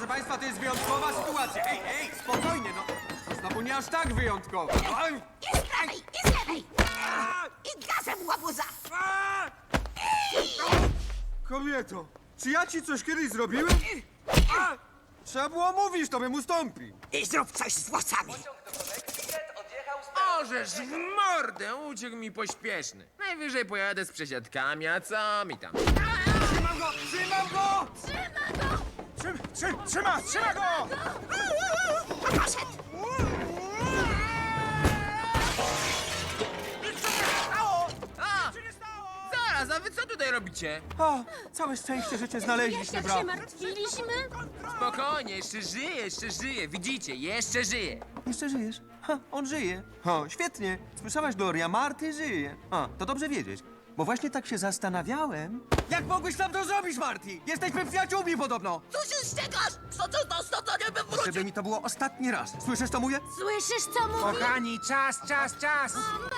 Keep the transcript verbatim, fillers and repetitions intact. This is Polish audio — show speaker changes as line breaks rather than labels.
Proszę państwa, to jest wyjątkowa sytuacja. Ej, ej, spokojnie, no. Znowu nie aż tak wyjątkowa. Oj.
I z prawej, i z lewej! I gazem, łabuza!
Kobieto, czy ja ci coś kiedyś zrobiłem? Trzeba było mówić, to bym ustąpił.
I zrób coś z włosami!
Ożeż w mordę, uciekł mi pośpieszny. Najwyżej pojadę z przesiadkami, a co mi tam?
Trzymam go! Trzymam go! Trzym, trzym, trzyma, trzyma go!
Poszedł!
A! Zaraz, a wy co tutaj robicie?
O, całe szczęście, że cię znaleźliśmy,
Jak
brat.
się martwiliśmy?
Spokojnie, jeszcze żyje, jeszcze żyje. Widzicie, jeszcze żyje.
Jeszcze żyjesz? Ha, on żyje. O, świetnie. Słyszałaś, Gloria, Marty żyje. A, to dobrze wiedzieć. Bo właśnie tak się zastanawiałem. Jak mogłeś nam to zrobić, Marty? Jesteśmy przyjaciółmi podobno.
Co się ściekasz? Co to to stanie by wrócił?
Żeby mi to było ostatni raz. Słyszysz, co mówię?
Słyszysz, co mówi?
Kochani, czas, czas, czas!